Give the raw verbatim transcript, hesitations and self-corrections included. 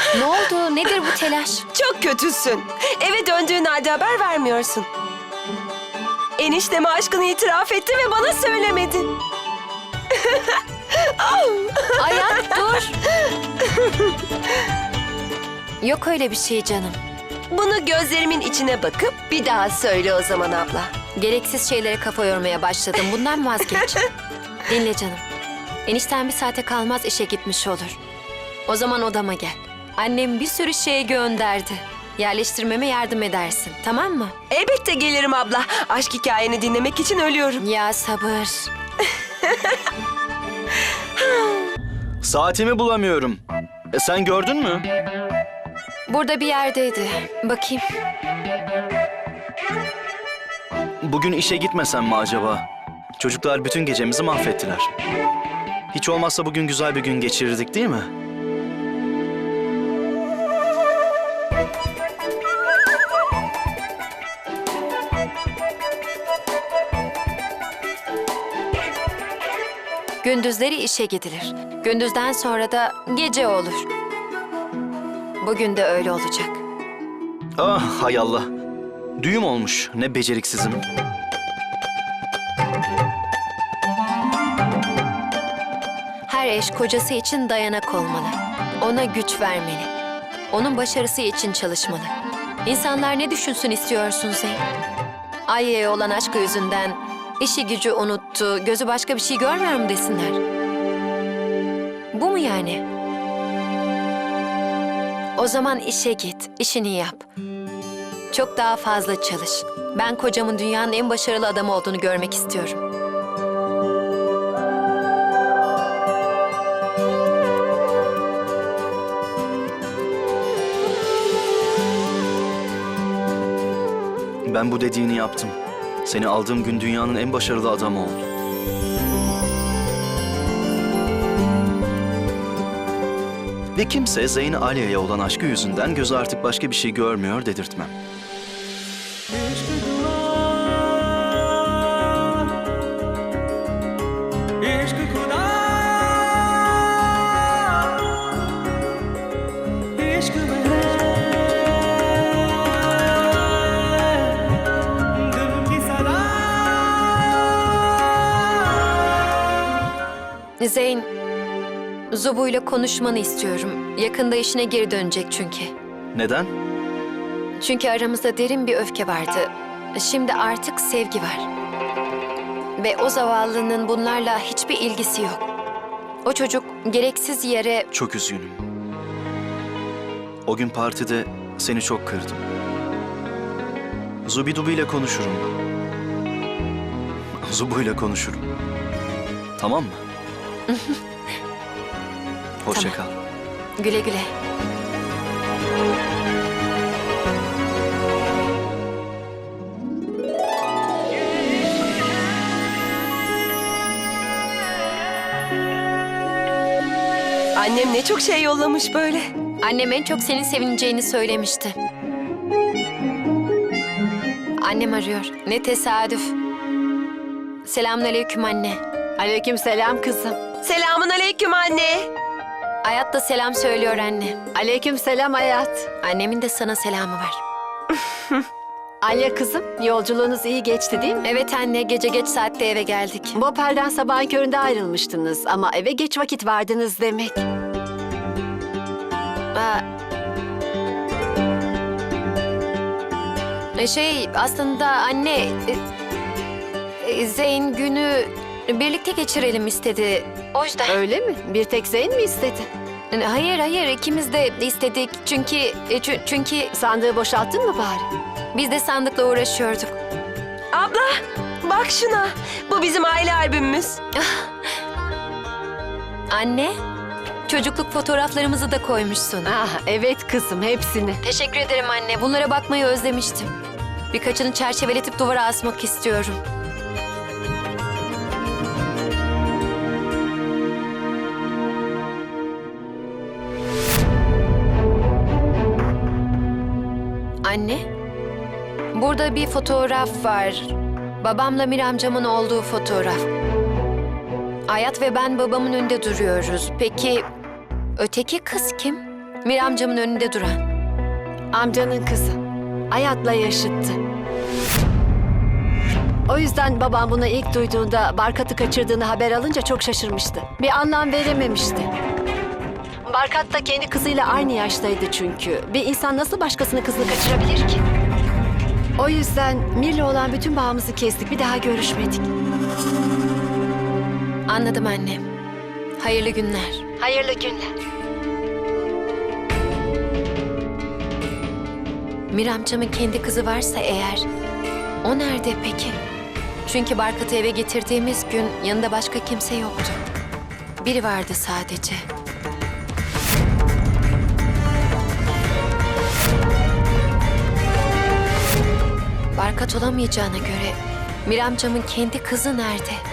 Ne oldu? Nedir bu telaş? Çok kötüsün. Eve döndüğün halde haber vermiyorsun. Enişteme aşkını itiraf etti ve bana söylemedin. Hayat dur. Yok öyle bir şey canım. Bunu gözlerimin içine bakıp bir daha söyle o zaman abla. Gereksiz şeylere kafa yormaya başladım. Bundan vazgeç. Dinle canım. Enişten bir saate kalmaz işe gitmiş olur. O zaman odama gel. Annem bir sürü şey gönderdi. Yerleştirmeme yardım edersin. Tamam mı? Elbette gelirim abla. Aşk hikayeni dinlemek için ölüyorum. Ya sabır. Saatimi bulamıyorum. E sen gördün mü? Burada bir yerdeydi. Bakayım. Bugün işe gitmesem mi acaba? Çocuklar bütün gecemizi mahvettiler. Hiç olmazsa bugün güzel bir gün geçirirdik değil mi? Gündüzleri işe gidilir. Gündüzden sonra da gece olur. Bugün de öyle olacak. Ah hay Allah. Düğüm olmuş. Ne beceriksizim. Her eş kocası için dayanak olmalı. Ona güç vermeli. Onun başarısı için çalışmalı. İnsanlar ne düşünsün istiyorsun Zeyn? Ayya'ya olan aşkı yüzünden işi gücü unuttu, gözü başka bir şey görmüyor mu desinler? Bu mu yani? O zaman işe git, işini yap. Çok daha fazla çalış. Ben kocamın dünyanın en başarılı adamı olduğunu görmek istiyorum. Ben bu dediğini yaptım. Seni aldığım gün dünyanın en başarılı adamı oldun. Ve kimse Zeyn Aliye'ye olan aşkı yüzünden gözü artık başka bir şey görmüyor dedirtmem. Zeyn, Zubu'yla konuşmanı istiyorum. Yakında işine geri dönecek çünkü. Neden? Çünkü aramızda derin bir öfke vardı. Şimdi artık sevgi var. Ve o zavallının bunlarla hiçbir ilgisi yok. O çocuk gereksiz yere... Çok üzgünüm. O gün partide seni çok kırdım. Zubidubi ile konuşurum. Zubu ile konuşurum. Tamam mı? Hoşça Tamam. kal. Güle güle. Annem ne çok şey yollamış böyle. Annem en çok senin sevineceğini söylemişti. Annem arıyor. Ne tesadüf. Selamünaleyküm anne. Aleykümselam kızım. Selamun aleyküm anne. Hayat da selam söylüyor anne. Aleykümselam hayat. Annemin de sana selamı var. Alya kızım, yolculuğunuz iyi geçti değil mi? Evet anne, gece geç saatte eve geldik. Bopel'den sabahın köründe ayrılmıştınız ama eve geç vakit vardınız demek. Aa, E, şey aslında anne, e, e, Zeyn günü birlikte geçirelim istedi. O yüzden. Öyle mi? Bir tek Zeyn mi istedi? E, Hayır hayır, ikimiz de istedik çünkü e, çü- çünkü Sandığı boşalttın mı bari? biz de sandıkla uğraşıyorduk. Abla bak şuna. Bu bizim aile albümümüz. Anne, çocukluk fotoğraflarımızı da koymuşsun. Ah evet kızım, hepsini. Teşekkür ederim anne. Bunlara bakmayı özlemiştim. Birkaçını çerçeveletip duvara asmak istiyorum. Anne, burada bir fotoğraf var. Babamla Mir amcamın olduğu fotoğraf. Hayat ve ben babamın önünde duruyoruz. Peki öteki kız kim? Mir amcamın önünde duran. Amcanın kızı. Hayatla yaşıttı. O yüzden babam bunu ilk duyduğunda Barkat'ı kaçırdığını haber alınca çok şaşırmıştı. Bir anlam verememişti. Barkat da kendi kızıyla aynı yaştaydı çünkü. Bir insan nasıl başkasının kızını kaçırabilir ki? O yüzden Mir'le olan bütün bağımızı kestik. Bir daha görüşmedik. Anladım annem. Hayırlı günler. Hayırlı günler. Mir amcamın kendi kızı varsa eğer, o nerede peki? Çünkü Barkat'ı eve getirdiğimiz gün yanında başka kimse yoktu. Biri vardı sadece. Barkat olamayacağına göre Mir amcamın kendi kızı nerede?